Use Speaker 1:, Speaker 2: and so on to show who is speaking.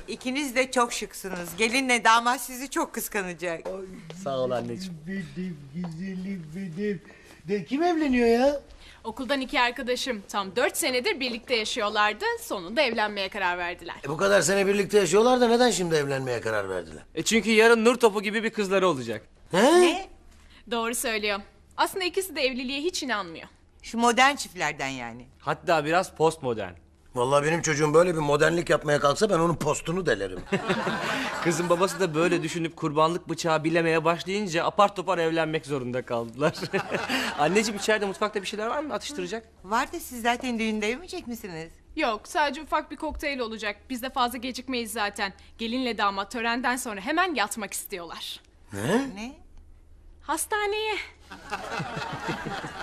Speaker 1: İkiniz de çok şıksınız. Gelinle damat sizi çok kıskanacak.
Speaker 2: Sağ ol anneciğim.
Speaker 3: Benim güzelim benim. De kim evleniyor ya?
Speaker 4: Okuldan iki arkadaşım tam 4 senedir birlikte yaşıyorlardı. Sonunda evlenmeye karar verdiler.
Speaker 3: Bu kadar sene birlikte yaşıyorlar da neden şimdi evlenmeye karar verdiler?
Speaker 2: Çünkü yarın nur topu gibi bir kızları olacak.
Speaker 3: He?
Speaker 1: Ne?
Speaker 4: Doğru söylüyor. Aslında ikisi de evliliğe hiç inanmıyor.
Speaker 1: Şu modern çiftlerden yani.
Speaker 2: Hatta biraz postmodern.
Speaker 3: Vallahi benim çocuğum böyle bir modernlik yapmaya kalksa ben onun postunu delerim.
Speaker 2: Kızın babası da böyle düşünüp kurbanlık bıçağı bilemeye başlayınca apar topar evlenmek zorunda kaldılar. Anneciğim içeride mutfakta bir şeyler var mı atıştıracak?
Speaker 1: Var da siz zaten düğünde yemeyecek misiniz?
Speaker 4: Yok, sadece ufak bir kokteyl olacak. Biz de fazla gecikmeyiz zaten. Gelinle damat törenden sonra hemen yatmak istiyorlar.
Speaker 1: Ne?
Speaker 4: Hastaneye.